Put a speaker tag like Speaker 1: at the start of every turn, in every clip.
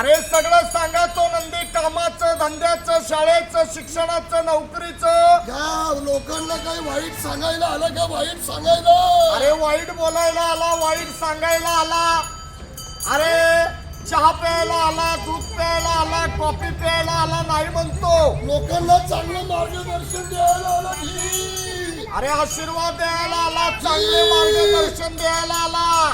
Speaker 1: अरे सगळं सांगा तो नंदी कामाचं धंद्याचं शाळेचं शिक्षणाचं नोकरीचं
Speaker 2: लोकांना काही वाईट सांगायला आलं का? वाईट सांगायला
Speaker 1: अरे वाईट बोलायला आला वाईट सांगायला आला अरे चहा प्यायला आला दूध प्यायला आला कॉफी प्यायला आला नाही म्हणतो
Speaker 2: लोकांना चांगलं मार्गदर्शन द्यायला आला की
Speaker 1: अरे आशीर्वाद द्यायला आला चांगले मार्गदर्शन द्यायला आला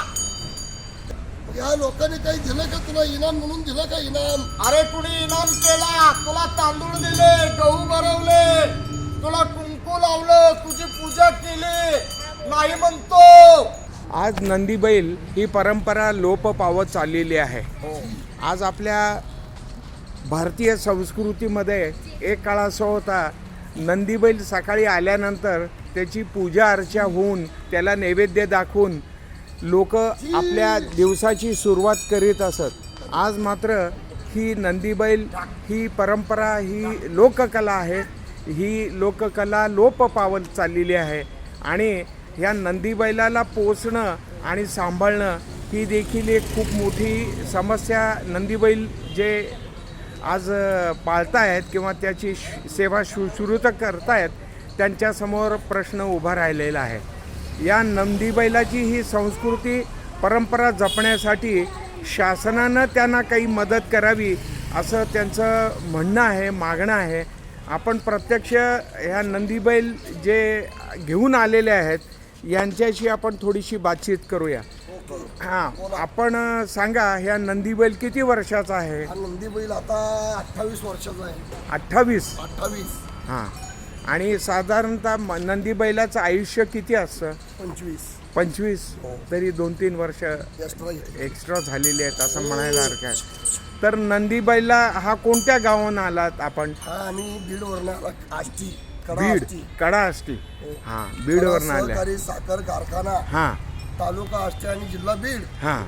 Speaker 2: या लोकांनी काही दिलं का तुला? इनाम म्हणून दिलं का इनाम?
Speaker 1: अरे कुणी इनाम केला तुला तांदूळ दिले गहू भरवले तुला कुंकू लावलं तुझी पूजा केली नाही म्हणतो
Speaker 3: आज नंदी बैल ही परंपरा लोप पावत चाललेली आहे. आज आपल्या भारतीय संस्कृतीमध्ये एक काळ असा होता नंदी बैल सकाळी आल्यानंतर त्याची पूजा अर्चा होऊन त्याला नैवेद्य दाखवून लोक आपल्या दिवसाची सुरुवात करीत असत. आज मात्र ही नंदी बैल ही परंपरा ही लोककला आहे. ही लोककला लोप पावत चाललेली आहे आणि ह्या नंदी बैलाला पोसणं आणि सांभाळणं ही देखील एक खूप मोठी समस्या नंदी बैल जे आज पाळतायत किंवा त्याची सेवा शुश्रूत करतायत त्यांच्यासमोर प्रश्न उभा राहिलेला आहे. या नंदी बैलाची ही संस्कृती परंपरा जपण्यासाठी शासनानं त्यांना काही मदत करावी असं त्यांचं म्हणणं आहे, मागणं आहे. आपण प्रत्यक्ष ह्या नंदी बैल जे घेऊन आलेले आहेत यांच्याशी आपण थोडीशी बातचीत करूया. हां, आपण सांगा ह्या नंदी बैल किती वर्षाचा आहे?
Speaker 2: हा नंदी बैल आता 28 वर्षाचा आहे.
Speaker 3: 28. हां, आणि साधारणतः नंदी बैलाचं आयुष्य किती असतं? 25. तरी 2-3 वर्ष एक्स्ट्रा झालेली आहेत असं म्हणायला हरकत आहे. तर नंदी बैला हा कोणत्या गावाहून आलात आपण?
Speaker 2: आम्ही बीडवरून आला. आष्टी
Speaker 3: बीड कडा आष्टी. हां, बीडवरून आले.
Speaker 2: सहकारी साखर कारखाना
Speaker 3: हां,
Speaker 2: तालुका आष्टी आणि जिल्हा बीड.
Speaker 3: हां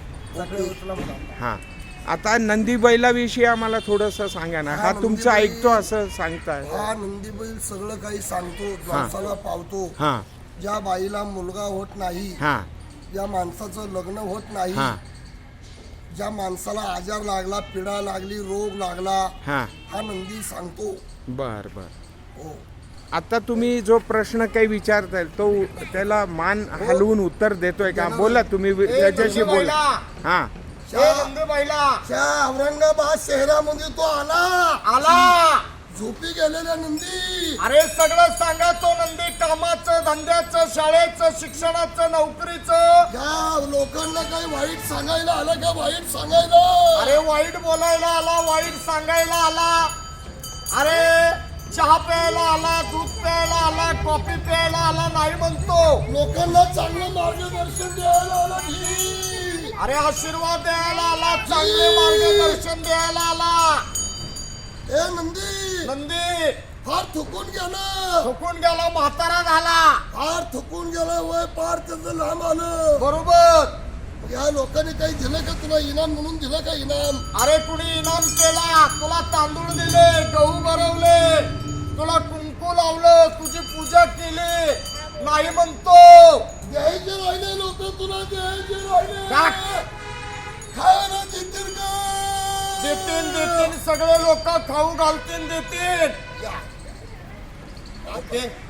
Speaker 3: हां. आता नंदी बैलाविषयी आम्हाला थोडंसं सांगा ना. हा तुमचं ऐकतो असं सांगताय?
Speaker 2: हा नंदी बैल सगळं काही सांगतो, माणसाला पावतो.
Speaker 3: हां
Speaker 2: ज्या बाईला मुलगा होत नाही,
Speaker 3: हां
Speaker 2: ज्या माणसाचं लग्न होत नाही,
Speaker 3: हां
Speaker 2: ज्या माणसाला आजार लागला, पिडा लागली, रोग लागला,
Speaker 3: हां.
Speaker 2: हा नंदी सांगतो.
Speaker 3: बर बर.
Speaker 2: हो.
Speaker 3: आता तुम्ही जो प्रश्न काही विचारताय तो त्याला मान हलवून उत्तर देतोय का? बोला तुम्ही त्याच्याशी बोला. हां.
Speaker 1: नंदी बैला
Speaker 2: त्या औरंगाबाद शहरामध्ये तो आला झोपी गेलेल्या नंदी.
Speaker 1: अरे सगळं सांगा तो नंदी कामाचं धंद्याचं शाळेचं शिक्षणाचं नोकरीचं
Speaker 2: लोकांना काही वाईट सांगायला आलं का? वाईट सांगायला
Speaker 1: अरे वाईट बोलायला आला वाईट सांगायला आला अरे चहा प्यायला आला दूध प्यायला आला कॉफी प्यायला आला नाही म्हणतो
Speaker 2: लोकांना चांगलं मार्गदर्शन द्यायला आला की
Speaker 1: अरे आशीर्वाद द्यायला आला चांगले मार्गदर्शन द्यायला आला.
Speaker 2: ए नंदी फार थुकून
Speaker 1: गेला म्हातारा झाला
Speaker 2: फार थुकून गेला. वय पार त्याचं लांब आलं.
Speaker 1: बरोबर.
Speaker 2: या लोकांनी काही दिलं का तुला? इनाम म्हणून दिलं का इनाम?
Speaker 1: अरे कुणी इनाम केला तुला तांदूळ दिले गहू भरवले तुला कुंकू लावलं तुझी पूजा केली नाही म्हणतो
Speaker 2: द्यायचे राहिले लोक तुला द्यायचे राहिले. खायला देतील का?
Speaker 1: देतील सगळे लोक खाऊ घालतील देतील.